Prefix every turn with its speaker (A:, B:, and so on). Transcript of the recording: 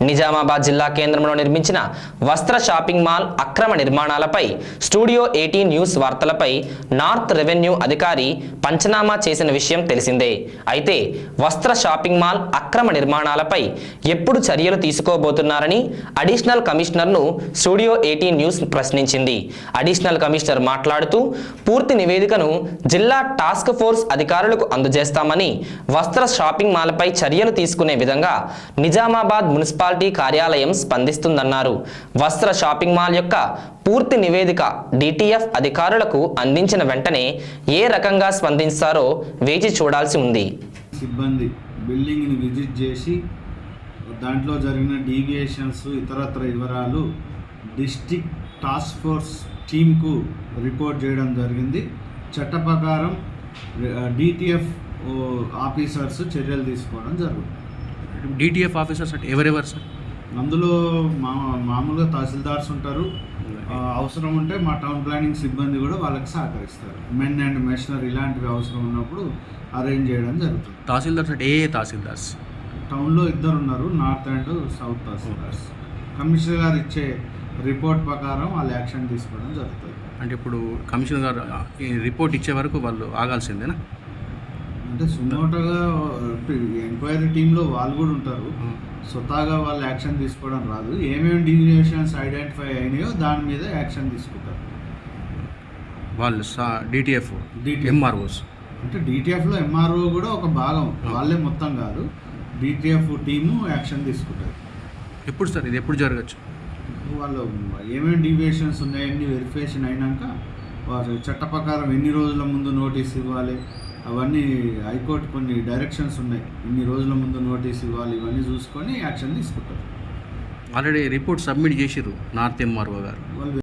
A: నిజామాబాద్ జిల్లా కేంద్రంలో నిర్మించిన వస్త్ర షాపింగ్ మాల్ అక్రమ నిర్మాణాలపై స్టూడియో 18 న్యూస్ వార్తలపై నార్త్ రెవెన్యూ అధికారి పంచనామా చేసిన విషయం తెలిసిందే. అయితే వస్త్ర షాపింగ్ మాల్ అక్రమ నిర్మాణాలపై ఎప్పుడు చర్యలు తీసుకోబోతున్నారని అడిషనల్ కమిషనర్ను స్టూడియో 18 న్యూస్ ప్రశ్నించింది. అడిషనల్ కమిషనర్ మాట్లాడుతూ పూర్తి నివేదికను జిల్లా టాస్క్ ఫోర్స్ అధికారులకు అందజేస్తామని, వస్త్ర షాపింగ్ మాల్పై చర్యలు తీసుకునే విధంగా నిజామాబాద్ మున్సిపాలిటీ కార్యాలయం స్పందిస్తుందన్నారు. వస్త్ర షాపింగ్ మాల్ యొక్క పూర్తి నివేదిక డిటిఎఫ్ అధికారులకు అందించిన వెంటనే ఏ రకంగా స్పందిస్తారో వేచి చూడాల్సి ఉంది.
B: సిబ్బంది బిల్డింగ్ని విజిట్ చేసి దాంట్లో జరిగిన డీవియేషన్స్ ఇతరత్ర వివరాలు డిస్ట్రిక్ట్ టాస్క్ ఫోర్స్ టీంకు రిపోర్ట్ చేయడం జరిగింది. చట్ట ప్రకారం డిటిఎఫ్ ఆఫీసర్స్ చర్యలు తీసుకోవడం జరుగుతుంది.
C: డిటిఎఫ్ ఆఫీసర్స్ అంటే ఎవరెవరు సార్?
B: అందులో మామూలుగా తహసీల్దార్స్ ఉంటారు. అవసరం ఉంటే మా టౌన్ ప్లానింగ్ సిబ్బంది కూడా వాళ్ళకి సహకరిస్తారు. మెన్ అండ్ మెషనరీ ఇలాంటివి అవసరం ఉన్నప్పుడు అరేంజ్ చేయడం జరుగుతుంది.
C: తహసీల్దార్స్ అంటే ఏ తహసీల్దార్స్?
B: టౌన్లో 2 ఉన్నారు, north and south tahsildars. Commissioner గారు ఇచ్చే రిపోర్ట్ ప్రకారం వాళ్ళు యాక్షన్ తీసుకోవడం జరుగుతుంది.
C: అంటే ఇప్పుడు కమిషనర్ గారు రిపోర్ట్ ఇచ్చే వరకు వాళ్ళు ఆగాల్సిందేనా?
B: అంటే సుమోటోగా ఎంక్వైరీ టీంలో వాళ్ళు కూడా ఉంటారు. స్వతహాగా వాళ్ళు యాక్షన్ తీసుకోవడం రాదు. ఏమేమి డీవియేషన్స్ ఐడెంటిఫై అయినాయో దాని మీద యాక్షన్ తీసుకుంటారు
C: వాళ్ళు. డిటిఎఫ్ ఎంఆర్ఓస్
B: అంటే డిటిఎఫ్లో ఎంఆర్ఓ కూడా ఒక భాగం, వాళ్ళే మొత్తం కాదు. డిటిఎఫ్ టీము యాక్షన్ తీసుకుంటారు.
C: ఎప్పుడు సార్ ఇది ఎప్పుడు జరగచ్చు?
B: వాళ్ళు ఏమేమి డీవియేషన్స్ ఉన్నాయని వెరిఫికేషన్ అయినాక వారు చట్ట ప్రకారం ఎన్ని రోజుల ముందు నోటీస్ ఇవ్వాలి, అవన్నీ హైకోర్టు కొన్ని డైరెక్షన్స్ ఉన్నాయి. ఇన్ని రోజుల ముందు నోటీస్ ఇవ్వాలి, ఇవన్నీ చూసుకొని యాక్షన్ తీసుకుంటారు.
C: ఆల్రెడీ రిపోర్ట్ సబ్మిట్ చేసిర్రు నార్త్ ఎంఆర్ఓ గారు.
B: వాళ్ళు